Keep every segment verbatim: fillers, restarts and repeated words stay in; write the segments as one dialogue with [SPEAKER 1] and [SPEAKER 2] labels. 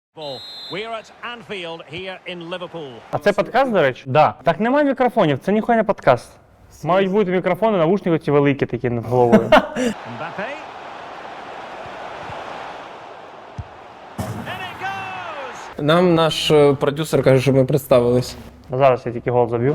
[SPEAKER 1] А це подкаст, до речі? Да. Так немає мікрофонів, це ніхуя не подкаст. Мають бути мікрофони, навушники ці великі такі над головою.
[SPEAKER 2] Нам наш е, продюсер каже, що ми представились.
[SPEAKER 1] Зараз я тільки гол заб'ю.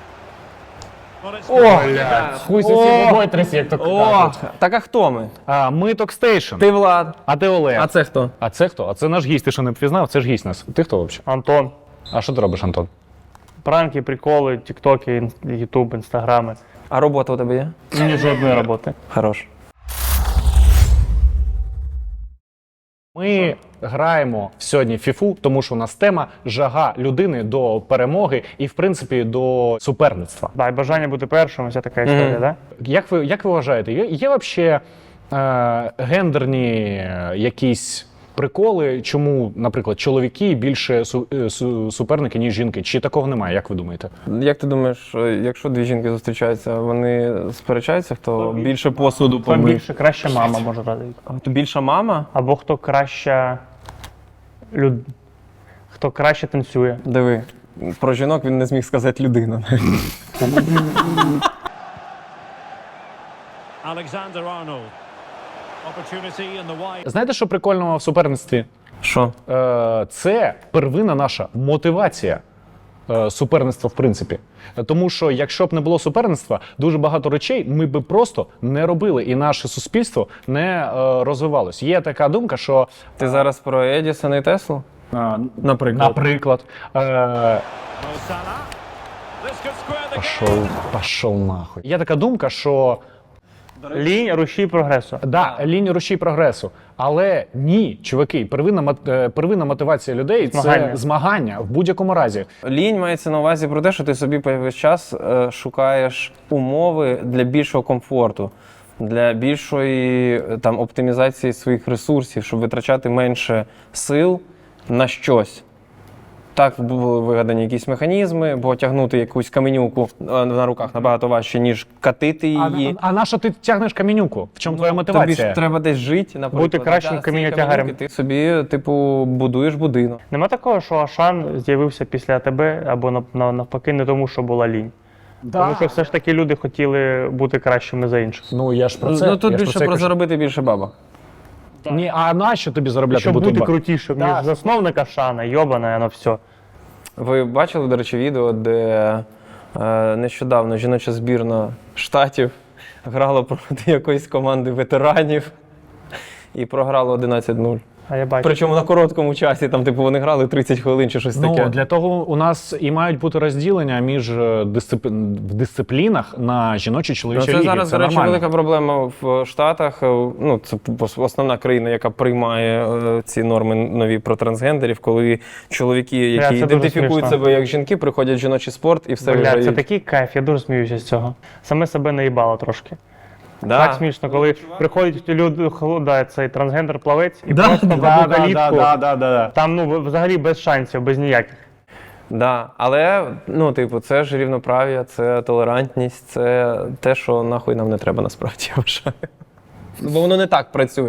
[SPEAKER 2] О, блядь.
[SPEAKER 1] Хуй сусід бой трясі, як то
[SPEAKER 2] О, так а хто ми?
[SPEAKER 3] А, ми Токстейшн.
[SPEAKER 2] Ти Влад.
[SPEAKER 3] А ти Олег.
[SPEAKER 2] А це хто?
[SPEAKER 3] А це хто? А це наш гість, ти що не впізнав? Це ж гість нас. Ти хто взагалі?
[SPEAKER 1] Антон.
[SPEAKER 3] А що ти робиш, Антон?
[SPEAKER 1] Пранки, приколи, тіктоки, ютуб, інстаграми.
[SPEAKER 2] А робота у тебе є?
[SPEAKER 1] Ні жодної роботи.
[SPEAKER 2] Хорош.
[SPEAKER 3] Ми граємо сьогодні в фіфу, тому що у нас тема жага людини до перемоги і, в принципі, до суперництва.
[SPEAKER 1] Да, і бажання бути першим, ось така історія,
[SPEAKER 2] Мгм.
[SPEAKER 1] да?
[SPEAKER 3] Як ви, як ви вважаєте, є, є взагалі е, гендерні е, якісь приколи, чому, наприклад, чоловіки більше су, е, су, суперники, ніж жінки? Чи такого немає, як ви думаєте?
[SPEAKER 2] Як ти думаєш, е, якщо дві жінки зустрічаються, вони сперечаються, хто більше посуду
[SPEAKER 1] Хто
[SPEAKER 2] помив?
[SPEAKER 1] більше краща мама може радити.
[SPEAKER 2] Хто більша мама?
[SPEAKER 1] Або хто краща люд... хто краще танцює.
[SPEAKER 2] Диви, про жінок він не зміг сказати людина.
[SPEAKER 3] Знаєте, що прикольного в суперництві?
[SPEAKER 2] Що?
[SPEAKER 3] Е, це первинна наша мотивація е, суперництва, в принципі. Тому що якщо б не було суперництва, дуже багато речей ми б просто не робили, і наше суспільство не е, розвивалось. Є така думка, що
[SPEAKER 2] Ти зараз про Едісона і Теслу?
[SPEAKER 3] е,
[SPEAKER 2] Наприклад.
[SPEAKER 3] наприклад, е, пошов, пошов нахуй. Є така думка, що
[SPEAKER 1] Лінь, рушій прогресу.
[SPEAKER 3] да, лінія рушій прогресу. Але ні, чуваки, первинна, мот- е, первинна мотивація людей
[SPEAKER 1] Змагання.
[SPEAKER 3] це змагання в будь-якому разі.
[SPEAKER 2] Лінь мається на увазі про те, що ти собі весь час е, шукаєш умови для більшого комфорту, для більшої е, там, оптимізації своїх ресурсів, щоб витрачати менше сил на щось. Так були вигадані якісь механізми, бо тягнути якусь каменюку е, на руках набагато важче, ніж катити
[SPEAKER 3] А,
[SPEAKER 2] її.
[SPEAKER 3] а на що ти тягнеш камінюку? В чому твоя мотивація?
[SPEAKER 2] Тобі ж треба десь жити, наприклад.
[SPEAKER 1] Бути кращим
[SPEAKER 2] Да, з цієї
[SPEAKER 1] камінотягарем.
[SPEAKER 2] каменюки Ти собі, типу, будуєш будинок.
[SPEAKER 1] Нема такого, що Ашан з'явився після тебе, або нав- нав- навпаки не тому, що була лінь. Тому що все ж таки люди хотіли бути кращими за інших.
[SPEAKER 3] Ну я ж про це.
[SPEAKER 2] Ну тут
[SPEAKER 3] я ж
[SPEAKER 2] більше
[SPEAKER 3] це
[SPEAKER 2] про
[SPEAKER 3] кажу.
[SPEAKER 2] заробити більше бабок.
[SPEAKER 3] Ні, а нащо тобі заробляти
[SPEAKER 1] Щоб
[SPEAKER 3] бути
[SPEAKER 1] бути
[SPEAKER 3] два?
[SPEAKER 1] крутішим, ніж
[SPEAKER 3] Да.
[SPEAKER 1] засновник Ашана, йобане, воно все.
[SPEAKER 2] Ви бачили, до речі, відео, де е, нещодавно жіноча збірна Штатів грала проти якоїсь команди ветеранів і програла одинадцять нуль.
[SPEAKER 1] А я бачу.
[SPEAKER 2] Причому на короткому часі, там, типу, вони грали тридцять хвилин чи щось
[SPEAKER 3] Ну,
[SPEAKER 2] таке.
[SPEAKER 3] для того у нас і мають бути розділення між е, дисцип... в дисциплінах на жіночі
[SPEAKER 2] Ну,
[SPEAKER 3] чоловічі
[SPEAKER 2] це
[SPEAKER 3] ліги.
[SPEAKER 2] зараз,
[SPEAKER 3] це
[SPEAKER 2] до речі,
[SPEAKER 3] нормально.
[SPEAKER 2] велика проблема в Штатах. Ну, це основна країна, яка приймає е, ці норми нові про трансгендерів, коли чоловіки, які
[SPEAKER 1] це дуже
[SPEAKER 2] ідентифікують
[SPEAKER 1] смішно.
[SPEAKER 2] себе як жінки, приходять в жіночий спорт і все
[SPEAKER 1] Бля,
[SPEAKER 2] виграють.
[SPEAKER 1] це такий кайф, я дуже сміюся з цього. Саме себе наїбало трошки.
[SPEAKER 2] Да.
[SPEAKER 1] Так смішно, коли приходять люди, да, цей трансгендер-плавець і
[SPEAKER 3] Да,
[SPEAKER 1] просто в
[SPEAKER 3] да,
[SPEAKER 1] одну
[SPEAKER 3] да,
[SPEAKER 1] калітку.
[SPEAKER 3] да, да, да, да.
[SPEAKER 1] Там ну взагалі без шансів, без ніяких.
[SPEAKER 2] Да, але, ну, типу, це ж рівноправ'я, це толерантність, це те, що нахуй нам не треба насправді, я вважаю. Бо воно не так працює.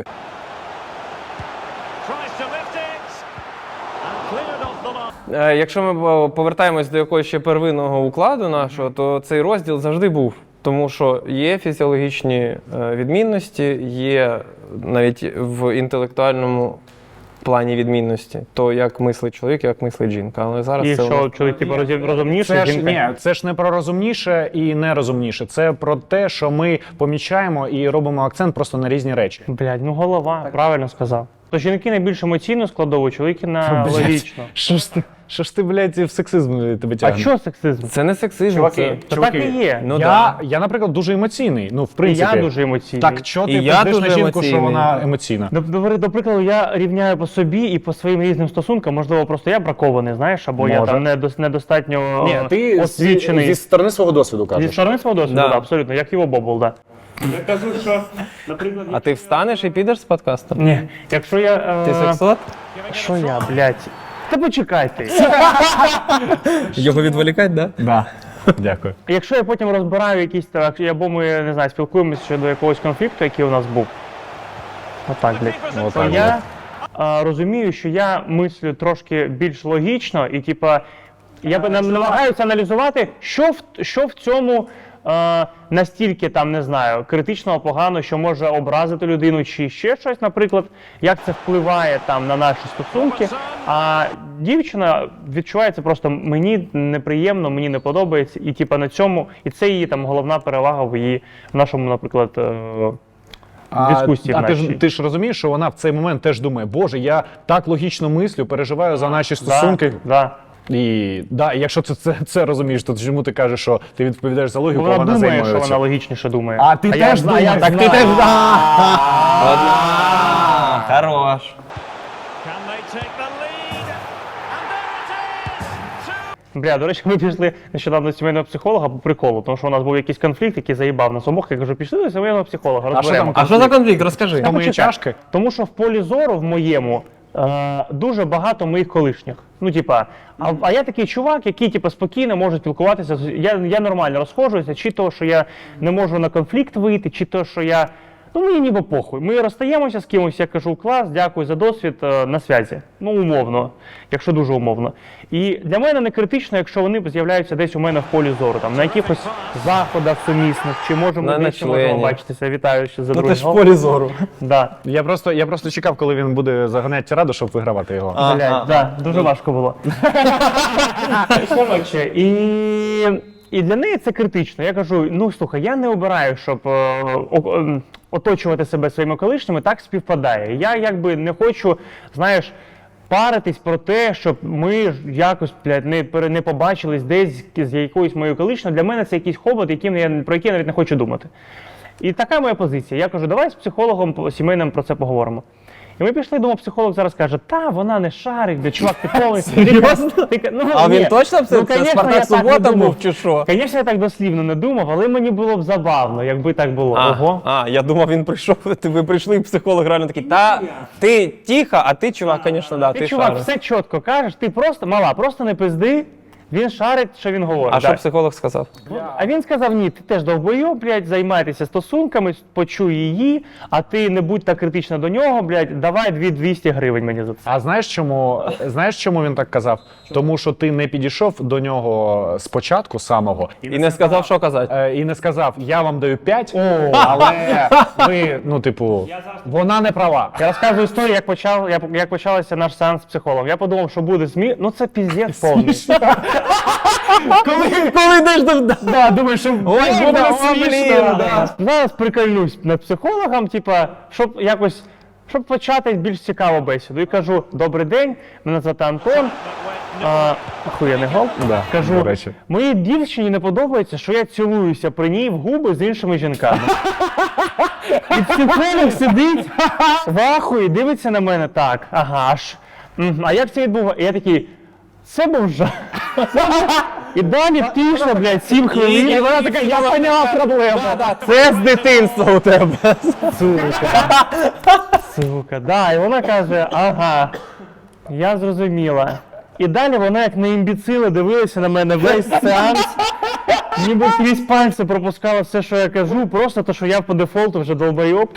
[SPEAKER 2] Е, Якщо ми е, повертаємось до якогось ще первинного укладу нашого, то цей розділ завжди був. Тому що є фізіологічні е, відмінності, є навіть в інтелектуальному плані відмінності. То як мислить чоловік, як мислить жінка. Але зараз
[SPEAKER 1] І
[SPEAKER 2] це у
[SPEAKER 1] що
[SPEAKER 2] нас-
[SPEAKER 1] чоловік типу, розі- розумніше,
[SPEAKER 3] Це ж,
[SPEAKER 1] жінка.
[SPEAKER 3] ні, це ж не про розумніше і нерозумніше. Це про те, що ми помічаємо і робимо акцент просто на різні речі.
[SPEAKER 1] Блядь, ну голова, правильно сказав. То жінки найбільш емоційно складову, чоловіки на
[SPEAKER 3] Блядь.
[SPEAKER 1] логічно.
[SPEAKER 3] Що ж ти, що ж ти, блядь, в сексизм тебе
[SPEAKER 1] А
[SPEAKER 3] тягне?
[SPEAKER 1] що сексизм?
[SPEAKER 2] Це не сексизм,
[SPEAKER 1] Чуваки,
[SPEAKER 2] це...
[SPEAKER 1] то так і є.
[SPEAKER 2] Ну,
[SPEAKER 3] я,
[SPEAKER 2] да.
[SPEAKER 3] я, наприклад, дуже емоційний. Ну, в
[SPEAKER 1] І
[SPEAKER 3] принципі.
[SPEAKER 1] я дуже емоційний.
[SPEAKER 3] Так, що ти
[SPEAKER 2] І я
[SPEAKER 3] пиздиш на
[SPEAKER 2] дуже
[SPEAKER 3] жінку, що
[SPEAKER 2] емоційний.
[SPEAKER 3] вона емоційна?
[SPEAKER 1] До, до, до прикладу, я рівняю по собі і по своїм різним стосункам. Можливо, просто я бракований, знаєш, або я
[SPEAKER 3] Може.
[SPEAKER 1] там недос- недостатньо
[SPEAKER 3] Ні,
[SPEAKER 1] е,
[SPEAKER 3] ти
[SPEAKER 1] освічений.
[SPEAKER 3] зі, зі сторони свого досвіду
[SPEAKER 1] Зі
[SPEAKER 3] кажеш.
[SPEAKER 1] сторони свого досвіду,
[SPEAKER 2] Да.
[SPEAKER 1] да, абсолютно, як його бобл, да. Я кажу, що, наприклад,
[SPEAKER 2] А ти встанеш і підеш з подкасту?
[SPEAKER 1] ні, якщо я... Е...
[SPEAKER 2] Ти сексот?
[SPEAKER 1] Що я, блядь? Та почекайте.
[SPEAKER 2] Його відволікать, да?
[SPEAKER 3] Да. Дякую.
[SPEAKER 1] Якщо я потім розбираю якісь, так, або ми, не знаю, спілкуємося щодо якогось конфлікту, який у нас був. Отак, блядь.
[SPEAKER 3] Отак,
[SPEAKER 1] То я а, розумію, що я мислю трошки більш логічно, і типа я б нам- намагаюся аналізувати, що в що в цьому е, настільки там не знаю критично погано, що може образити людину, чи ще щось, наприклад, як це впливає там на наші стосунки. А дівчина відчуває це просто мені неприємно, мені не подобається, і типа на цьому, і це її там головна перевага в її в нашому, наприклад. Е,
[SPEAKER 3] А,
[SPEAKER 1] дискусії
[SPEAKER 3] а
[SPEAKER 1] в
[SPEAKER 3] ти ж
[SPEAKER 1] нашій.
[SPEAKER 3] ти ж розумієш, що вона в цей момент теж думає, боже, я так логічно мислю, переживаю за наші стосунки.
[SPEAKER 1] Да,
[SPEAKER 3] І да, і якщо ти це, це розумієш, то чому ти кажеш, що ти відповідаєш за логіку,
[SPEAKER 1] да. Вона
[SPEAKER 3] вона
[SPEAKER 1] думає,
[SPEAKER 3] займає
[SPEAKER 1] що
[SPEAKER 3] цю.
[SPEAKER 1] вона логічніше думає.
[SPEAKER 3] А ти
[SPEAKER 1] я
[SPEAKER 3] теж
[SPEAKER 1] знаю,
[SPEAKER 3] думаєш,
[SPEAKER 1] так ти
[SPEAKER 3] знаю.
[SPEAKER 1] теж
[SPEAKER 2] А, Хорош.
[SPEAKER 4] Can they take the lead? And there it is! Two
[SPEAKER 1] Бля, до речі, ми пішли нещодавно до сімейного психолога по приколу, тому що у нас був якийсь конфлікт, який заїбав нас обох. Я кажу, пішли до сімейного психолога, розберемо.
[SPEAKER 3] там
[SPEAKER 2] А що за конфлікт? Розкажи.
[SPEAKER 3] Тому
[SPEAKER 1] Хочу
[SPEAKER 3] і
[SPEAKER 1] так.
[SPEAKER 3] чашки.
[SPEAKER 1] Тому що в полі зору в моєму е, дуже багато моїх колишніх. Ну, типа, а, а я такий чувак, який типа спокійно може спілкуватися. з- Я, я нормально розходжуюся, чи то, що я не можу на конфлікт вийти, чи то, що я. Ну, мені ніби похуй. Ми розстаємося з кимось, я кажу, клас, дякую за досвід, е, на зв'язі. Ну, умовно, якщо дуже умовно. І для мене не критично, якщо вони з'являються десь у мене в полі зору, там, на якихось заходах сумісних, чи можемо
[SPEAKER 2] На
[SPEAKER 1] десь ще можемо
[SPEAKER 2] ночлені.
[SPEAKER 1] бачитися. Вітаю ще за
[SPEAKER 2] Ну
[SPEAKER 1] другий
[SPEAKER 2] ти ж в
[SPEAKER 1] гол.
[SPEAKER 2] полі зору.
[SPEAKER 1] Да.
[SPEAKER 3] Я просто, я просто чекав, коли він буде заганяти раду, щоб вигравати його.
[SPEAKER 2] А.
[SPEAKER 1] Блядь, да, дуже важко було. Коротше, і, і для неї це критично. Я кажу: ну слухай, я не обираю, щоб е, о- ем, оточувати себе своїми колишніми, так співпадає. Я якби не хочу, знаєш, паритись про те, щоб ми ж якось, блядь, не, пере- не побачились десь з якоюсь моєю колишньою. Для мене це якийсь хобот, яким я, про який я навіть не хочу думати. І така моя позиція. Я кажу, давай з психологом по- сімейним про це поговоримо. І ми пішли, думав, психолог зараз каже, та вона не шарить, де чувак, ти повністю.
[SPEAKER 2] Серйозно?
[SPEAKER 1] Ти ка- ну,
[SPEAKER 2] А
[SPEAKER 1] ні.
[SPEAKER 2] він точно це,
[SPEAKER 1] Ну,
[SPEAKER 2] це
[SPEAKER 1] конечно,
[SPEAKER 2] Спартак
[SPEAKER 1] я так не
[SPEAKER 2] Субота
[SPEAKER 1] думав.
[SPEAKER 2] був чи що?
[SPEAKER 1] Звісно, я так дослівно не думав, але мені було б забавно, якби так було.
[SPEAKER 2] А,
[SPEAKER 1] Ого.
[SPEAKER 2] а, я думав, він прийшов, ти ви прийшли, і психолог реально такий, та ти тихо, а ти, чувак, звісно, да,
[SPEAKER 1] Ти,
[SPEAKER 2] ти
[SPEAKER 1] чувак,
[SPEAKER 2] шариш.
[SPEAKER 1] все чітко кажеш, ти просто, мала, просто не пизди, він шарить, що він говорить.
[SPEAKER 2] А
[SPEAKER 1] да.
[SPEAKER 2] що психолог сказав?
[SPEAKER 1] А він сказав, ні, ти теж довбойоб, блядь, займайтеся стосунками, почуй її, а ти не будь так критична до нього, блядь, давай дві двісті гривень мені за це.
[SPEAKER 3] А знаєш чому, знаєш, чому він так казав? Тому що ти не підійшов до нього спочатку самого
[SPEAKER 2] І не сказав, що казати.
[SPEAKER 3] е, і не сказав, я вам даю п'ять,
[SPEAKER 1] О,
[SPEAKER 3] але ви, ну, типу, вона не права.
[SPEAKER 1] Я розказую історію, як почав, як, як почався наш сеанс з психологом. Я подумав, що буде смі... Ну це піздець повний.
[SPEAKER 2] Коли, коли йдеш до...
[SPEAKER 1] Да, думаю, що
[SPEAKER 2] Ой,
[SPEAKER 1] буде
[SPEAKER 2] буде
[SPEAKER 1] смішно.
[SPEAKER 2] смішно,
[SPEAKER 1] Да. Зараз прикольнусь над психологом, типа, щоб якось, щоб почати більш цікаву бесіду. І кажу, добрий день, мене звати Антон. А, охуєнний гол.
[SPEAKER 3] Да,
[SPEAKER 1] Кажу,
[SPEAKER 3] до речі.
[SPEAKER 1] моїй дівчині не подобається, що я цілуюся при ній в губи з іншими жінками. І психолог сидить в ахуї, дивиться на мене так. Ага ж. Мгм, а як це відбувається? І я такий, це був жах. І далі пішло, блядь, сім хвилин.
[SPEAKER 2] і вона
[SPEAKER 1] така, я поняла проблему.
[SPEAKER 2] Це з дитинства у тебе.
[SPEAKER 1] Сука. Сука, да, і вона каже, ага, я зрозуміла. І далі вона, як на імбіцили, дивилася на мене весь сеанс, ніби крізь пальці пропускала все, що я кажу, просто то, що я по дефолту вже долбойоб.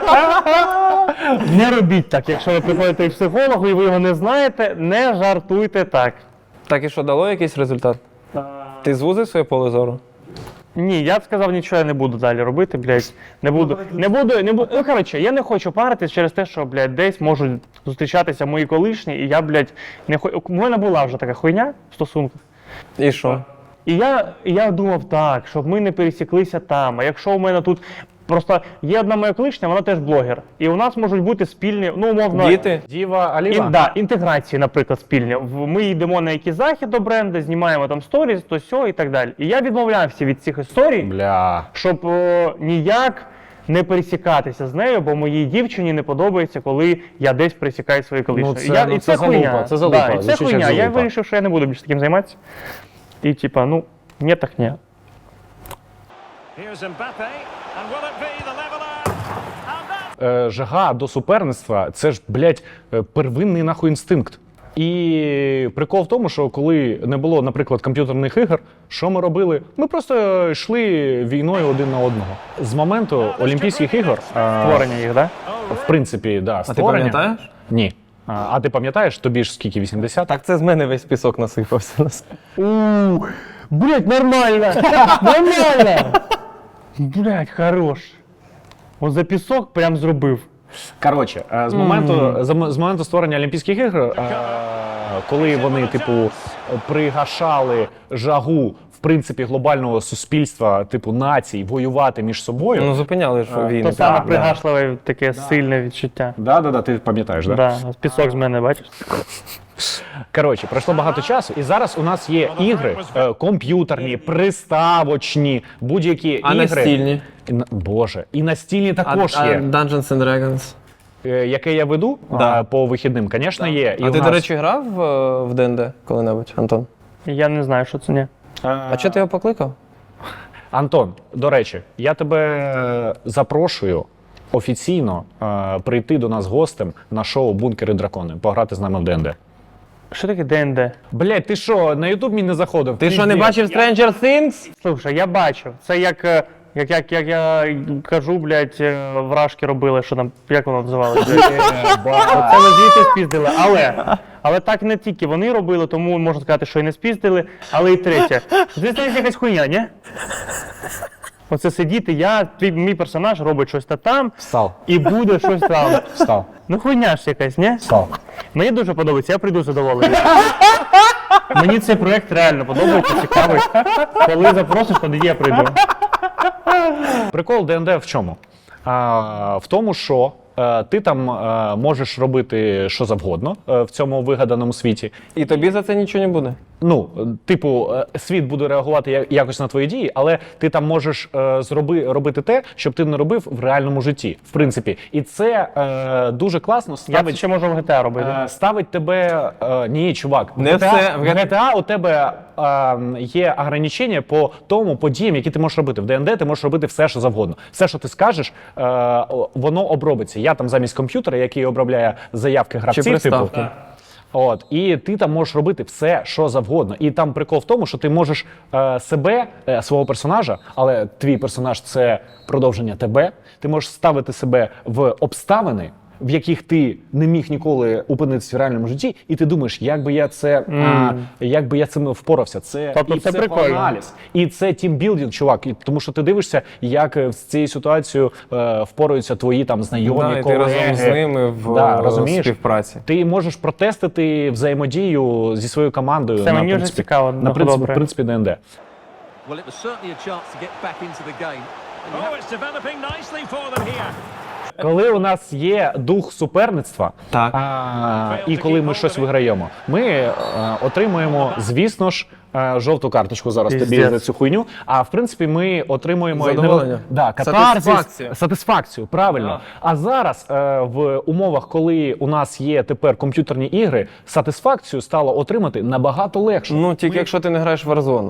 [SPEAKER 1] Не робіть так, якщо ви приходите к психологу і ви його не знаєте, не жартуйте так.
[SPEAKER 2] Так і що, дало якийсь результат? Ти звузив своє поле зору?
[SPEAKER 1] Ні, я б сказав, нічого я не буду далі робити, блядь. Не буду. Не буду, не буду. Ну, коротше, я не хочу паритись через те, що, блядь, десь можуть зустрічатися мої колишні, і я, блядь, не хочу. У мене була вже така хуйня в стосунках.
[SPEAKER 2] І що?
[SPEAKER 1] І я, і я думав так, щоб ми не пересіклися там. А якщо у мене тут. Просто є одна моя колишня, вона теж блогер. І у нас можуть бути спільні, ну, умовно.
[SPEAKER 2] Діти?
[SPEAKER 3] Діва Аліва?
[SPEAKER 1] Ін, да, інтеграції, наприклад, спільні. В- Ми йдемо на якийсь захід до бренду, знімаємо там сторіс, то сьо і так далі. І я відмовлявся від цих історій,
[SPEAKER 3] Бля.
[SPEAKER 1] щоб о, ніяк не пересікатися з нею, бо моїй дівчині не подобається, коли я десь пересікаю свої колишні.
[SPEAKER 3] Ну, це-
[SPEAKER 1] І я,
[SPEAKER 3] ну,
[SPEAKER 1] і
[SPEAKER 3] це
[SPEAKER 1] це хуйня.
[SPEAKER 3] залупа, це залупа,
[SPEAKER 1] Да, і це
[SPEAKER 3] звучить як
[SPEAKER 1] хуйня. Я
[SPEAKER 3] залупа.
[SPEAKER 1] вирішив, що я не буду більше таким займатися. І типа, ну, ні, так ні.
[SPEAKER 4] Here's Mbappe, and will it be the leveller? And that
[SPEAKER 3] Е, жага до суперництва це ж, блядь, е, первинний нахуй інстинкт. І прикол в тому, що коли не було, наприклад, комп'ютерних ігор, що ми робили? Ми просто йшли війною один на одного. З моменту Олімпійських ігор, е,
[SPEAKER 1] Створення їх, так? Да?
[SPEAKER 3] в принципі, да,
[SPEAKER 2] А ти
[SPEAKER 3] створення.
[SPEAKER 2] пам'ятаєш?
[SPEAKER 3] Ні. А, а ти пам'ятаєш, тобі ж скільки, вісімдесят?
[SPEAKER 2] Так це з мене весь пісок насипався.
[SPEAKER 1] У, блять, нормально! Нормально! Блять, хорош. От за пісок прям зробив.
[SPEAKER 3] Коротше, е, з моменту, з, м- з моменту створення Олімпійських ігор, е, коли вони, типу, пригашали жагу, в принципі, глобального суспільства, типу, націй, воювати між собою.
[SPEAKER 2] Ну зупиняли ж війни.
[SPEAKER 1] То саме
[SPEAKER 3] да.
[SPEAKER 1] пригашливе таке сильне відчуття.
[SPEAKER 3] Да, да, да, ти пам'ятаєш, да?
[SPEAKER 1] Да, пісок з мене, бачиш?
[SPEAKER 3] Коротше, пройшло багато часу, і зараз у нас є ігри е, комп'ютерні, приставочні, будь-які
[SPEAKER 2] А
[SPEAKER 3] ігри.
[SPEAKER 2] настільні?
[SPEAKER 3] І на- Боже, і настільні також
[SPEAKER 2] а,
[SPEAKER 3] є.
[SPEAKER 2] А Dungeons and Dragons.
[SPEAKER 3] Е, яке я веду
[SPEAKER 2] Да.
[SPEAKER 3] а, по вихідним, звісно, є. І
[SPEAKER 2] А
[SPEAKER 3] у
[SPEAKER 2] ти,
[SPEAKER 3] нас-
[SPEAKER 2] до речі, грав е, в Д Н Д коли-небудь, Антон?
[SPEAKER 1] Я не знаю, що це не.
[SPEAKER 2] А чого ти його покликав?
[SPEAKER 3] Антон, до речі, я тебе е, запрошую офіційно е, прийти до нас гостем на шоу «Бункери дракони», пограти з нами в Д Н Д.
[SPEAKER 1] Що таке Д Н Д?
[SPEAKER 3] Блять, ти що, на Ютуб мені не заходив?
[SPEAKER 2] Ти що, не бачив Stranger Things?
[SPEAKER 1] Слушай, я бачив. Це як, е, як, як, як я кажу, блядь, е, вражки робили, що там, як воно називалося? Оце ми звідти спіздили. Але, але так не тільки вони робили, тому можна сказати, що і не спіздили. Але і третє. Звісно, є якась хуйня, ні? Оце сидіти, я, твій, мій персонаж робить щось та там,
[SPEAKER 3] Встав,
[SPEAKER 1] і буде щось там.
[SPEAKER 3] встав,
[SPEAKER 1] Ну хуйня ж якась, ні?
[SPEAKER 3] встав.
[SPEAKER 1] Мені дуже подобається, я прийду задоволений. Мені цей проєкт реально подобається, цікавий. Коли запросиш, тоді я прийду.
[SPEAKER 3] Прикол Д Н Д в чому? А, в тому, що е, ти там е, можеш робити що завгодно е, в цьому вигаданому світі.
[SPEAKER 2] І тобі за це нічого не буде?
[SPEAKER 3] Ну, е, типу, е, світ буде реагувати я- якось на твої дії, але ти там можеш е, зроби, робити те, щоб ти не робив в реальному житті, в принципі. І це е, дуже класно
[SPEAKER 1] Я це
[SPEAKER 3] ставить,
[SPEAKER 1] ще можу в Г Т А робити.
[SPEAKER 3] е, ставить тебе. Е, ні, чувак, в
[SPEAKER 2] Не
[SPEAKER 3] Г Т А,
[SPEAKER 2] все.
[SPEAKER 3] в Г Т А у тебе е, є ограничення по тому подіям, які ти можеш робити. В Д Н Д ти можеш робити все, що завгодно. Все, що ти скажеш, е, о, воно обробиться. Я там замість комп'ютера, який обробляє заявки гравців, типу,
[SPEAKER 2] приставки.
[SPEAKER 3] От, і ти там можеш робити все, що завгодно. І там прикол в тому, що ти можеш е, себе, е, свого персонажа, але твій персонаж це продовження тебе. Ти можеш ставити себе в обставини, в яких ти не міг ніколи опинитися в реальному житті, і ти думаєш, як би я це, а, як би я цим впорався. Це
[SPEAKER 1] Тобто
[SPEAKER 3] і
[SPEAKER 1] це прикольно.
[SPEAKER 3] психоаналіз, і це тімбілдинг, чувак. І, тому що ти дивишся, як е, з цією ситуацією е, впораються твої там знайомі,
[SPEAKER 2] Да, і ти
[SPEAKER 3] колеги.
[SPEAKER 2] разом з ними в
[SPEAKER 3] Да,
[SPEAKER 2] е,
[SPEAKER 3] розумієш?
[SPEAKER 2] співпраці.
[SPEAKER 3] Ти можеш протестити взаємодію зі своєю командою.
[SPEAKER 1] Це
[SPEAKER 3] на,
[SPEAKER 1] мені вже
[SPEAKER 3] принципі,
[SPEAKER 1] цікаво,
[SPEAKER 3] На
[SPEAKER 1] ну,
[SPEAKER 3] принципі,
[SPEAKER 1] добре.
[SPEAKER 3] в принципі, Д Н Д.
[SPEAKER 5] Well, it was certainly a chance to get back into the game. And you
[SPEAKER 4] Oh,
[SPEAKER 5] have-
[SPEAKER 4] it's developing nicely for them here.
[SPEAKER 3] Коли у нас є дух суперництва,
[SPEAKER 2] Так.
[SPEAKER 3] а, і коли ми щось виграємо, ми е, отримуємо, звісно ж, е, жовту карточку зараз тобі
[SPEAKER 1] Піздець.
[SPEAKER 3] за цю хуйню. А в принципі, ми отримуємо
[SPEAKER 2] Задоволення.
[SPEAKER 3] Да, катарсис,
[SPEAKER 2] Сатисфакцію.
[SPEAKER 3] сатисфакцію, правильно.
[SPEAKER 2] Да.
[SPEAKER 3] А зараз е, в умовах, коли у нас є тепер комп'ютерні ігри, сатисфакцію стало отримати набагато легше.
[SPEAKER 2] Ну, тільки якщо ти не граєш в Warzone.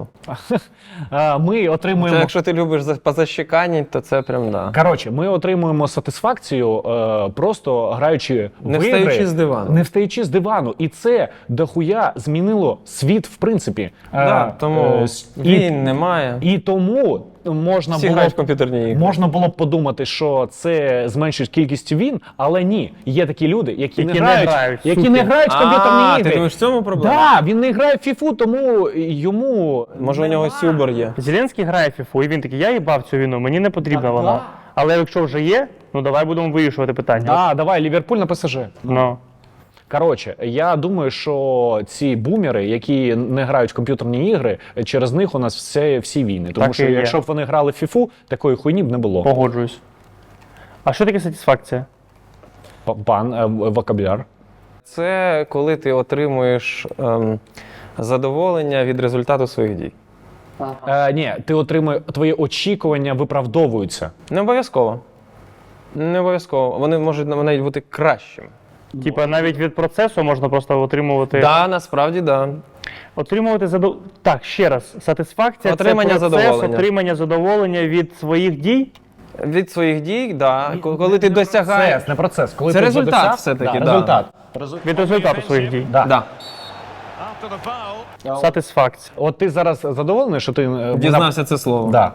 [SPEAKER 3] Е, Ми
[SPEAKER 2] Це
[SPEAKER 3] отримуємо.
[SPEAKER 2] якщо ти любиш за- позащеканіть, то це прям да.
[SPEAKER 3] Коротше, ми отримуємо сатисфакцію е, просто граючи
[SPEAKER 2] Не
[SPEAKER 3] в
[SPEAKER 2] встаючи
[SPEAKER 3] ігри,
[SPEAKER 2] з дивану.
[SPEAKER 3] Не встаючи з дивану. І це дохуя змінило світ, в принципі.
[SPEAKER 2] Да,
[SPEAKER 3] Е,
[SPEAKER 2] тому
[SPEAKER 3] е, с- і,
[SPEAKER 2] він немає.
[SPEAKER 3] і тому можна
[SPEAKER 2] Всі
[SPEAKER 3] було,
[SPEAKER 2] грають в комп'ютерні ігри.
[SPEAKER 3] можна було б подумати, що це зменшить кількість він, але ні. Є такі люди, які,
[SPEAKER 1] Які
[SPEAKER 3] не
[SPEAKER 1] не
[SPEAKER 3] грають,
[SPEAKER 1] грають,
[SPEAKER 3] які
[SPEAKER 1] суки.
[SPEAKER 3] не грають в комп'ютерні
[SPEAKER 2] А,
[SPEAKER 3] ігри.
[SPEAKER 2] ти думаєш, в цьому проблема?
[SPEAKER 3] Да, він не грає в фіфу, тому йому
[SPEAKER 2] Може, у нього сюбер є.
[SPEAKER 1] Зеленський грає в фіфу, і він такий, я їбав цю війну, мені не потрібна вона. Але якщо вже є, ну давай будемо вирішувати питання.
[SPEAKER 3] Да, давай, Ліверпуль на ПСЖ.
[SPEAKER 1] Ну.
[SPEAKER 3] Коротше, я думаю, що ці бумери, які не грають в комп'ютерні ігри, через них у нас все, всі війни. Тому
[SPEAKER 1] Так і
[SPEAKER 3] що
[SPEAKER 1] є.
[SPEAKER 3] якщо б вони грали в фіфу, такої хуйні б не було.
[SPEAKER 1] Погоджуюсь. А що таке сатисфакція?
[SPEAKER 3] П- Пан е, в- вокабуляр.
[SPEAKER 2] Це коли ти отримуєш ем, задоволення від результату своїх дій.
[SPEAKER 3] Е, ні, ти отримує твої очікування виправдовуються.
[SPEAKER 2] Не обов'язково. Не обов'язково. Вони можуть навіть бути кращими.
[SPEAKER 1] Типа навіть від процесу можна просто отримувати.
[SPEAKER 2] Да, насправді, да.
[SPEAKER 1] Отримувати задов... Так, ще раз. Сатисфакція
[SPEAKER 2] Отримання
[SPEAKER 1] це процес,
[SPEAKER 2] задоволення.
[SPEAKER 1] отримання задоволення від своїх дій.
[SPEAKER 2] Від своїх дій, да. Коли ти досягаєш.
[SPEAKER 3] Процес, не процес. Коли
[SPEAKER 2] Це
[SPEAKER 3] ти
[SPEAKER 2] результат
[SPEAKER 3] досяг-
[SPEAKER 2] все-таки,
[SPEAKER 3] да,
[SPEAKER 2] да.
[SPEAKER 3] результат.
[SPEAKER 1] Від результату своїх дій.
[SPEAKER 3] Да.
[SPEAKER 2] Да.
[SPEAKER 4] After the foul.
[SPEAKER 1] Сатисфакція.
[SPEAKER 3] От ти зараз задоволений, що ти е,
[SPEAKER 2] Дізнався це слово.
[SPEAKER 3] Да.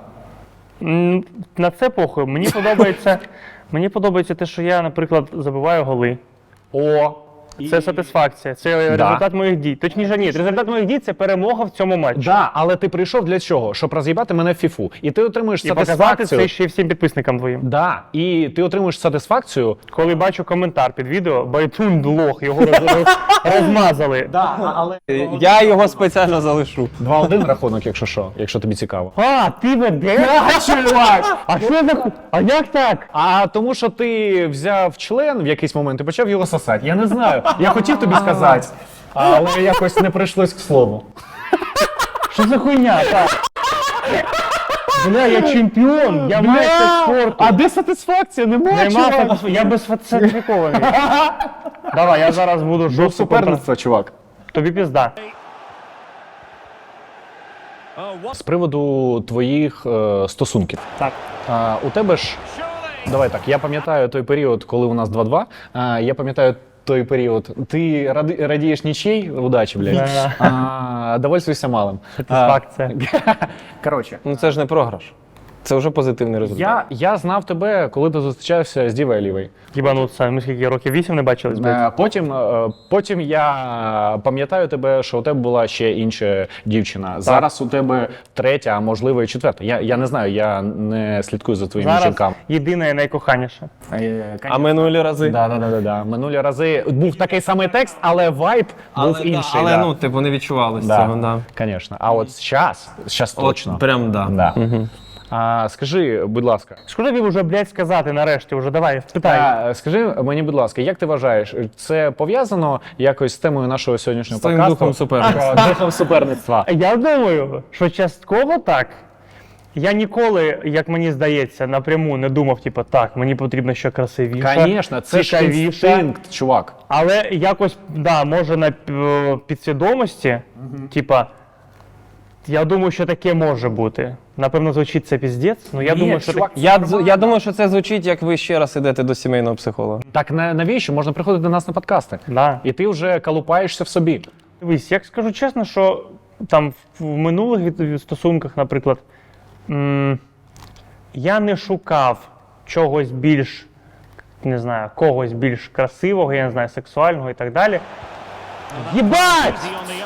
[SPEAKER 1] М, На це похуй. Мені подобається, мені подобається те, що я, наприклад, забиваю голи.
[SPEAKER 3] О,
[SPEAKER 1] Це сатисфакція, це результат моїх дій. Точніше, ні, результат моїх дій це перемога в цьому матчі.
[SPEAKER 3] Да, але ти прийшов для чого? Щоб роз'їбати мене в фіфу. І ти отримуєш
[SPEAKER 1] І показати
[SPEAKER 3] сатисфакцію.
[SPEAKER 1] це ще й всім підписникам твоїм.
[SPEAKER 3] Да, і ти отримуєш сатисфакцію.
[SPEAKER 1] Коли бачу коментар під відео, Байтун лох, його роз- розмазали.
[SPEAKER 3] Да, але
[SPEAKER 2] Я його спеціально залишу.
[SPEAKER 3] два-один рахунок, якщо що, якщо тобі цікаво.
[SPEAKER 1] А, ти ведеш? чувак! А що за ху- А як так?
[SPEAKER 3] А тому, що ти взяв член в якийсь момент і почав його сосати. Я не знаю. Я хотів тобі сказати, але якось не прийшлось к слову.
[SPEAKER 1] Що за хуйня? Так. Бля, я чемпіон, я майстер спорту.
[SPEAKER 3] А де сатисфакція? Нема,
[SPEAKER 1] Нема
[SPEAKER 3] чувак.
[SPEAKER 1] сатисфа- я безсертифікований. Давай, я зараз буду
[SPEAKER 3] До
[SPEAKER 1] жорстко контр...
[SPEAKER 3] суперництва, чувак.
[SPEAKER 1] Тобі пізда.
[SPEAKER 5] Oh, what
[SPEAKER 3] З приводу твоїх е, стосунків.
[SPEAKER 1] Так.
[SPEAKER 3] А, у тебе ж, давай так, я пам'ятаю той період, коли у нас два-два. А, я пам'ятаю той період. Ти ради, радієш нічий, удачі, блядь.
[SPEAKER 1] Да.
[SPEAKER 3] А, довольствуйся малим.
[SPEAKER 1] Сатисфакція.
[SPEAKER 3] Коротше.
[SPEAKER 2] Ну це ж не програш. Це вже позитивний результат.
[SPEAKER 3] Я, я знав тебе, коли ти зустрічався з Дівою Лівою.
[SPEAKER 1] Їбануться, ми скільки років вісім не бачились, блядь.
[SPEAKER 3] Е, Потім, е, потім я пам'ятаю тебе, що у тебе була ще інша дівчина. Зараз у тебе третя, а можливо і четверта. Я, я не знаю, я не слідкую за твоїми
[SPEAKER 1] Зараз
[SPEAKER 3] жінками.
[SPEAKER 1] єдина і найкоханіша.
[SPEAKER 2] А минулі рази?
[SPEAKER 3] Да, да, да, да, да. Минулі рази був такий самий текст, але вайб був
[SPEAKER 2] да,
[SPEAKER 3] інший.
[SPEAKER 2] але
[SPEAKER 3] да.
[SPEAKER 2] ну, типу, не відчувалося
[SPEAKER 3] да,
[SPEAKER 2] цього, да.
[SPEAKER 3] Звісно. А от зараз, зараз
[SPEAKER 2] От
[SPEAKER 3] точно.
[SPEAKER 2] прям да.
[SPEAKER 3] Да. А, скажи, будь ласка,
[SPEAKER 1] Що тобі вже, блядь, сказати нарешті? Вже давай, питай.
[SPEAKER 3] а, скажи мені, будь ласка, як ти вважаєш, це пов'язано якось з темою нашого сьогоднішнього
[SPEAKER 2] З твоїм
[SPEAKER 3] подкасту?
[SPEAKER 2] духом суперництва.
[SPEAKER 3] Про Духом суперництва.
[SPEAKER 1] Я думаю, що частково так. Я ніколи, як мені здається, напряму не думав, типу, так, мені потрібно ще красивіше,
[SPEAKER 3] Звісно, це ж
[SPEAKER 1] цікавіше.
[SPEAKER 3] інстинкт, чувак.
[SPEAKER 1] Але якось, да, може на е, підсвідомості, типа, я думаю, що таке може бути. Напевно, звучить це піздець, але я
[SPEAKER 3] Ні,
[SPEAKER 1] думаю, що
[SPEAKER 3] чувак,
[SPEAKER 1] так...
[SPEAKER 2] Я, дз- я думаю, що це звучить, як ви ще раз ідете до сімейного психолога.
[SPEAKER 3] Так на- навіщо? Можна приходити до нас на подкасти.
[SPEAKER 1] Да.
[SPEAKER 3] І ти вже колупаєшся в собі.
[SPEAKER 1] Дивись, я скажу чесно, що там в в минулих від- від стосунках, наприклад, м, я не шукав чогось більш, не знаю, когось більш красивого, я не знаю, сексуального і так далі. Єбать!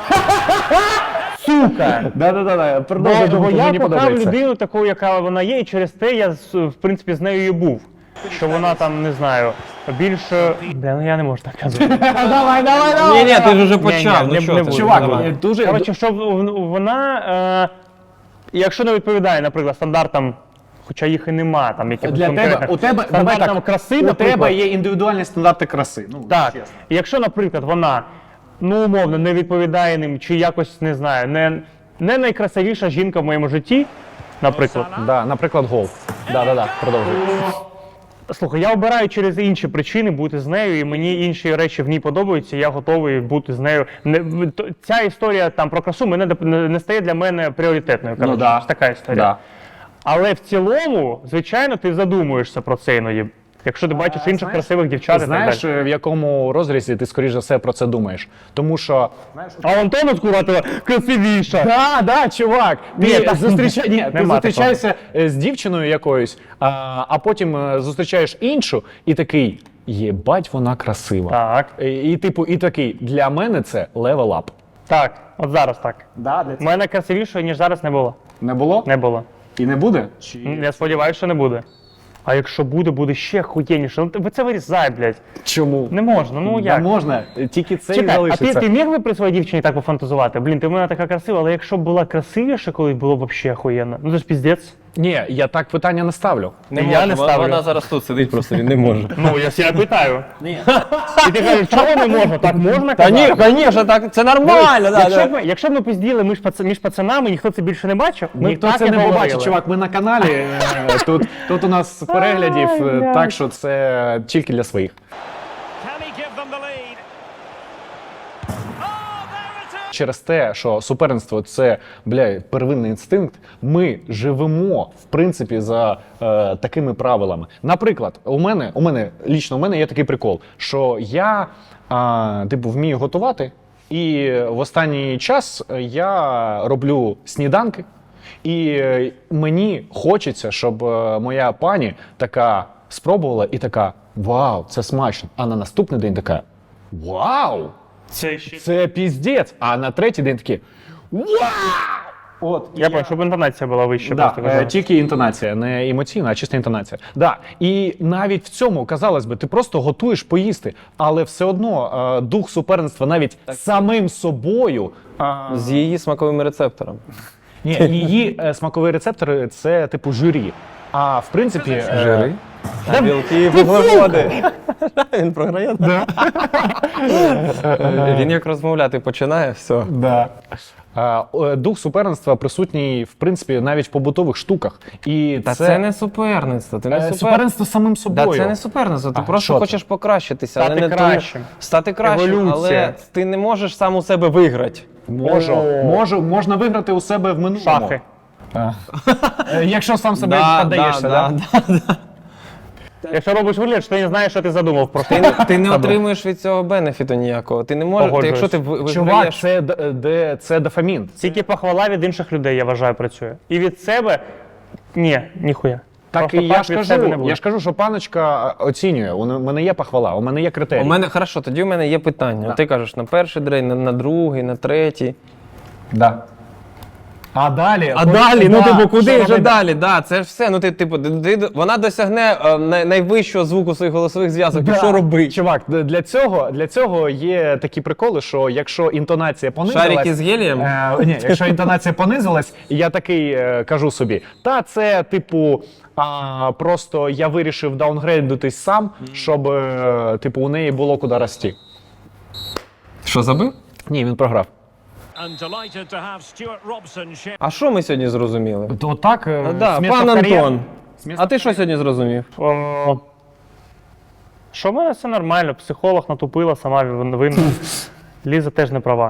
[SPEAKER 1] Сука!
[SPEAKER 3] Да-да-да,
[SPEAKER 1] Бо, бо я кохав людину таку, яка вона є, і через те я, з- в принципі, з нею і був. Що вона там, не знаю, більше... Бля, ну я не можу так казати.
[SPEAKER 3] Давай, давай, давай!
[SPEAKER 2] Ні, ні, ти ж вже
[SPEAKER 1] Ні,
[SPEAKER 2] почав.
[SPEAKER 1] ні,
[SPEAKER 2] Ну
[SPEAKER 1] не-
[SPEAKER 2] що
[SPEAKER 1] не
[SPEAKER 2] ти?
[SPEAKER 1] буду.
[SPEAKER 3] Чувак,
[SPEAKER 2] Давай.
[SPEAKER 3] дуже...
[SPEAKER 1] Коротше, що в- вона, е, якщо не відповідає, наприклад, стандартам, хоча їх і нема, там якихось
[SPEAKER 3] Для тебе,
[SPEAKER 1] конкретних,
[SPEAKER 3] у тебе, давай
[SPEAKER 1] стандартам
[SPEAKER 3] так,
[SPEAKER 1] краси,
[SPEAKER 3] у
[SPEAKER 1] наприклад,
[SPEAKER 3] тебе є індивідуальні стандарти краси. Ну,
[SPEAKER 1] так.
[SPEAKER 3] чесно.
[SPEAKER 1] І якщо, наприклад, вона, ну, умовно, не відповідає ним, чи якось, не знаю, не, не найкрасивіша жінка в моєму житті, наприклад.
[SPEAKER 3] Да, наприклад, гол. Да-да-да, продовжуй.
[SPEAKER 1] Слухай, я обираю через інші причини бути з нею, і мені інші речі в ній подобаються, і я готовий бути з нею. Не, в- то- ця історія там про красу мене доп- не, не стає для мене пріоритетною. Коротше,
[SPEAKER 3] Ну да.
[SPEAKER 1] така історія.
[SPEAKER 3] Да.
[SPEAKER 1] Але в цілому, звичайно, ти задумуєшся про це іноді. Якщо ти бачиш інших красивих дівчат і
[SPEAKER 3] Знаєш,
[SPEAKER 1] так далі.
[SPEAKER 3] в якому розрізі ти, скоріш за все, про це думаєш? Тому що...
[SPEAKER 1] А Антон от Куратова красивіша.
[SPEAKER 3] Да, да, чувак.
[SPEAKER 1] Ні,
[SPEAKER 3] Ти,
[SPEAKER 1] так,
[SPEAKER 3] зустріча... Ні, ти
[SPEAKER 1] нема
[SPEAKER 3] зустрічаєшся е, з дівчиною якоюсь, а, а потім е, зустрічаєш іншу і такий, єбать, вона красива.
[SPEAKER 1] Так,
[SPEAKER 3] І, і типу, і такий, для мене це level up.
[SPEAKER 1] так, от зараз так.
[SPEAKER 3] Да,
[SPEAKER 1] У мене красивішої, ніж зараз не було.
[SPEAKER 3] Не було?
[SPEAKER 1] Не було.
[SPEAKER 3] І не буде?
[SPEAKER 1] Я сподіваюся, що не буде. А якщо буде, буде ще хуєнніше. Ну ви це вирізай, блядь.
[SPEAKER 3] Чому?
[SPEAKER 1] Не можна, ну
[SPEAKER 3] Не
[SPEAKER 1] як?
[SPEAKER 3] можна, тільки це і
[SPEAKER 1] Чекай, а ти,
[SPEAKER 3] залишиться.
[SPEAKER 1] ти міг би при своїй дівчині так пофантазувати? Блін, ти в мене така красива, але якщо б була красивіша, колись було б взагалі охуєнно. Ну це ж піздець.
[SPEAKER 3] Ні, я так питання не ставлю.
[SPEAKER 1] Не я не
[SPEAKER 2] Вона-
[SPEAKER 1] ставлю.
[SPEAKER 2] Вона зараз тут сидить, просто він не може.
[SPEAKER 1] Ну, я себе питаю. Ні. І ти кажеш, чого не можна? Так можна
[SPEAKER 2] Та
[SPEAKER 1] казати?
[SPEAKER 2] ні, звісно, так це нормально. да,
[SPEAKER 1] Якщо
[SPEAKER 2] да.
[SPEAKER 1] б, ми, якщо б ми пизділи між, пац... між пацанами, ніхто це більше не бачив, ми
[SPEAKER 3] Ніхто
[SPEAKER 1] так
[SPEAKER 3] це
[SPEAKER 1] і
[SPEAKER 3] не
[SPEAKER 1] говорили.
[SPEAKER 3] побачить, чувак. Ми на каналі. е, Тут, тут у нас переглядів, е, так що це тільки для своїх.
[SPEAKER 4] Can he give them the lead? Oh, there it is!
[SPEAKER 3] Через те, що суперництво це, бля, первинний інстинкт, ми живемо, в принципі, за е, такими правилами. Наприклад, у мене, у мене, лічно у мене є такий прикол, що я, а, типу, вмію готувати, і в останній час я роблю сніданки, і е, мені хочеться, щоб е, моя пані така спробувала і така, вау, це смачно, а на наступний день така, Вау!
[SPEAKER 1] Це ще.
[SPEAKER 3] Це піздець! А на третій день такі вау! От,
[SPEAKER 1] Я бачу, щоб інтонація була вища.
[SPEAKER 3] Да,
[SPEAKER 1] просто
[SPEAKER 3] е,
[SPEAKER 1] казав.
[SPEAKER 3] тільки інтонація, не емоційна, а чиста інтонація. Да. І навіть в цьому, казалось би, ти просто готуєш поїсти, але все одно е, дух суперництва навіть самим собою.
[SPEAKER 2] З її смаковими рецепторами.
[SPEAKER 3] Ні, її е, смакові рецептори це типу журі. А в принципі, е,
[SPEAKER 2] Жири. А білки, вуглеводи. Він програє. Він як розмовляти починає, все.
[SPEAKER 3] Да. Е, е, дух суперництва присутній, в принципі, навіть в побутових штуках. І
[SPEAKER 2] Та це, не суперництво. Ти не
[SPEAKER 3] е,
[SPEAKER 2] супер...
[SPEAKER 3] суперництво з самим собою.
[SPEAKER 2] Да, це не суперництво, ти
[SPEAKER 3] А,
[SPEAKER 2] просто
[SPEAKER 3] що це?
[SPEAKER 2] хочеш покращитися.
[SPEAKER 1] Стати
[SPEAKER 2] але не
[SPEAKER 1] кращим.
[SPEAKER 2] Тому... Стати кращим,
[SPEAKER 1] Еволюція.
[SPEAKER 2] але ти не можеш сам у себе виграти.
[SPEAKER 3] Можу, можу, можна виграти у себе в минулому.
[SPEAKER 1] Шахи.
[SPEAKER 3] Е, Якщо сам себе
[SPEAKER 2] Да,
[SPEAKER 3] піддаєшся, да,
[SPEAKER 2] да, да.
[SPEAKER 1] Якщо робиш вигляд, що ти не знаєш, що ти задумав про
[SPEAKER 2] Ти, не- ти не отримуєш від цього бенефіту ніякого. Ти не можеш, ти,
[SPEAKER 1] Погоджуюсь.
[SPEAKER 2] якщо ти ви-
[SPEAKER 3] Чувак,
[SPEAKER 2] виграєш...
[SPEAKER 3] це, д- де, це дофамін.
[SPEAKER 1] Тільки похвала від інших людей, я вважаю, працює. І від себе ні, ніхуя.
[SPEAKER 3] Так
[SPEAKER 1] Просто
[SPEAKER 3] і я
[SPEAKER 1] так
[SPEAKER 3] ж
[SPEAKER 1] від
[SPEAKER 3] кажу,
[SPEAKER 1] себе не буде.
[SPEAKER 3] я ж кажу, що паночка е, оцінює. У мене є похвала, у мене є критерії.
[SPEAKER 2] У мене, хорошо, тоді у мене є питання. Ти кажеш на перший день, на, на другий, на третій.
[SPEAKER 3] Да. А далі?
[SPEAKER 2] А
[SPEAKER 3] хоч-
[SPEAKER 2] далі, ну
[SPEAKER 3] да,
[SPEAKER 2] типу, куди
[SPEAKER 3] що
[SPEAKER 2] вже
[SPEAKER 3] робити?
[SPEAKER 2] далі? Да, це ж все. Ну ти, типу, ти, ти- вона досягне е, най- найвищого звуку своїх голосових зв'язок.
[SPEAKER 3] Да.
[SPEAKER 2] І що робити?
[SPEAKER 3] Чувак, д- для цього, для цього є такі приколи, що якщо інтонація понизилась...
[SPEAKER 2] Шарики з гелієм?
[SPEAKER 3] Е, ні, якщо інтонація понизилась, я такий е, кажу собі, та це, типу, а, просто я вирішив даунгрейдитись сам, щоб, е, типу, у неї було куди рости.
[SPEAKER 2] Що забив?
[SPEAKER 3] Ні, він програв.
[SPEAKER 4] And delighted to have Stuart Robson share.
[SPEAKER 2] А що ми сьогодні зрозуміли?
[SPEAKER 3] То так,
[SPEAKER 2] А, да, пан Антон. А ти що сьогодні зрозумів?
[SPEAKER 1] О, що в мене все нормально, психолог натупила, сама винна. Ліза теж не права.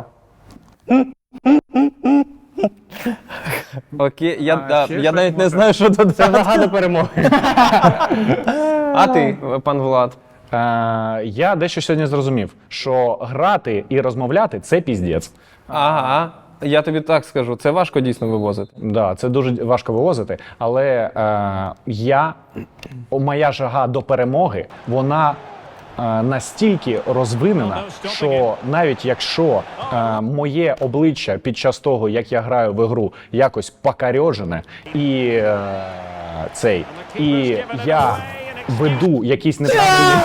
[SPEAKER 2] Окей, я, да, я навіть не знаю, що додати.
[SPEAKER 1] Це загада перемоги.
[SPEAKER 2] А ти, пан Влад?
[SPEAKER 3] Е, я дещо сьогодні зрозумів, що грати і розмовляти – це піздець.
[SPEAKER 2] Ага. Я тобі так скажу, це важко дійсно вивозити.
[SPEAKER 3] Да, це дуже важко вивозити, але е, я, моя жага до перемоги, вона е, настільки розвинена, що навіть якщо е, моє обличчя під час того, як я граю в ігру, якось покарьожене, і е, цей, і я веду якісь неправильні.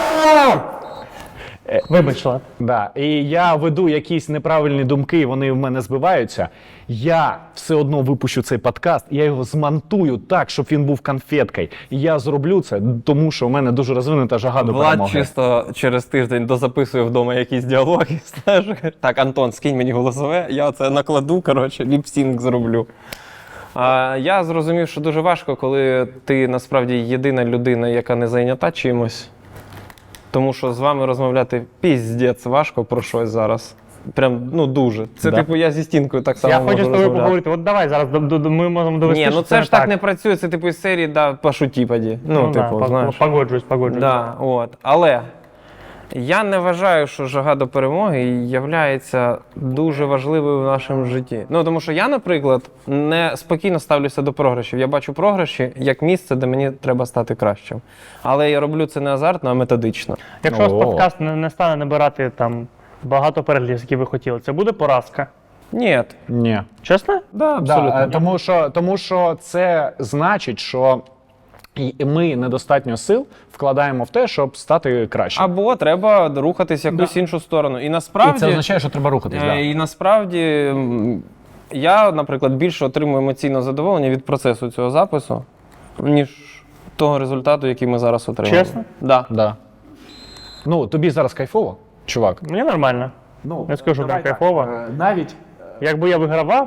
[SPEAKER 1] Вибач, Влад.
[SPEAKER 3] Да, і я веду якісь неправильні думки, і вони в мене збиваються. Я все одно випущу цей подкаст, я його змонтую так, щоб він був конфеткою. І я зроблю це, тому що в мене дуже розвинута жага до
[SPEAKER 2] Влад
[SPEAKER 3] перемоги.
[SPEAKER 2] чисто через тиждень дозаписує вдома якісь діалоги. Знаєш, так, Антон, скинь мені голосове, я це накладу, коротше, ліпсінг зроблю. А, я зрозумів, що дуже важко, коли ти насправді єдина людина, яка не зайнята чимось. Тому що з вами розмовляти піздець важко про щось зараз. Прям, ну дуже. Це
[SPEAKER 3] Да.
[SPEAKER 2] типу я зі стінкою так само
[SPEAKER 1] Я
[SPEAKER 2] можу
[SPEAKER 1] хочу з тобою
[SPEAKER 2] розмовляти.
[SPEAKER 1] поговорити. От давай зараз до- до- до- ми можемо довести.
[SPEAKER 2] Ні,
[SPEAKER 1] що
[SPEAKER 2] ну це ж так не працює, це типу із серії, да, пошуті поді. Ну,
[SPEAKER 1] Ну, да,
[SPEAKER 2] типу,
[SPEAKER 1] пог-
[SPEAKER 2] знаєш.
[SPEAKER 1] Погоджуюсь, погоджуюсь.
[SPEAKER 2] Да, от. Але я не вважаю, що жага до перемоги є дуже важливою в нашому житті. Ну, тому що я, наприклад, не спокійно ставлюся до програшів. Я бачу програші як місце, де мені треба стати кращим. Але я роблю це не азартно, а методично.
[SPEAKER 1] Якщо
[SPEAKER 3] О.
[SPEAKER 1] ваш подкаст не, не стане набирати там багато переглядів, які ви хотіли, це буде поразка.
[SPEAKER 2] Ні.
[SPEAKER 3] Ні.
[SPEAKER 1] Чесно?
[SPEAKER 2] Да,
[SPEAKER 3] Да,
[SPEAKER 2] абсолютно.
[SPEAKER 3] е, тому, що, тому що це значить, що і ми недостатньо сил вкладаємо в те, щоб стати кращим.
[SPEAKER 2] Або треба рухатись в якусь іншу сторону. І насправді,
[SPEAKER 3] що треба рухатись.
[SPEAKER 2] е, і насправді м, я, наприклад, більше отримую емоційне задоволення від процесу цього запису, ніж того результату, який ми зараз отримуємо.
[SPEAKER 1] Чесно?
[SPEAKER 2] Да.
[SPEAKER 3] Да. Ну, тобі зараз кайфово, чувак.
[SPEAKER 1] Мені нормально.
[SPEAKER 3] Ну,
[SPEAKER 1] Не скажу,
[SPEAKER 3] давай
[SPEAKER 1] прям
[SPEAKER 3] так,
[SPEAKER 1] кайфово.
[SPEAKER 3] е, Навіть
[SPEAKER 1] Якби я вигравав,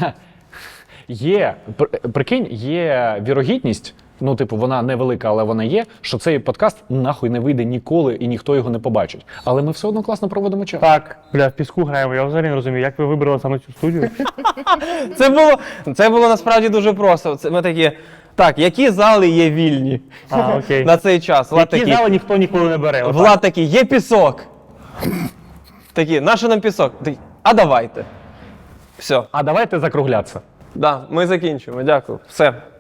[SPEAKER 3] є, пр- прикинь, є вірогідність, ну, типу, вона невелика, але вона є, що цей подкаст нахуй не вийде ніколи і ніхто його не побачить. Але ми все одно класно проводимо час.
[SPEAKER 1] так, бля, в піску граємо. Я взагалі не розумію, як ви вибрали саме цю студію.
[SPEAKER 2] Це було, це було насправді дуже просто. Це ми такі, так, які зали є вільні
[SPEAKER 1] А, окей.
[SPEAKER 2] на цей час? Влад
[SPEAKER 1] Які
[SPEAKER 2] такий,
[SPEAKER 1] зали ніхто ніколи не бере. отак.
[SPEAKER 2] Влад такий, є пісок. Такі, наше нам пісок? Такий, а давайте. Все,
[SPEAKER 3] А давайте закруглятися.
[SPEAKER 2] да, ми закінчуємо, дякую. Все.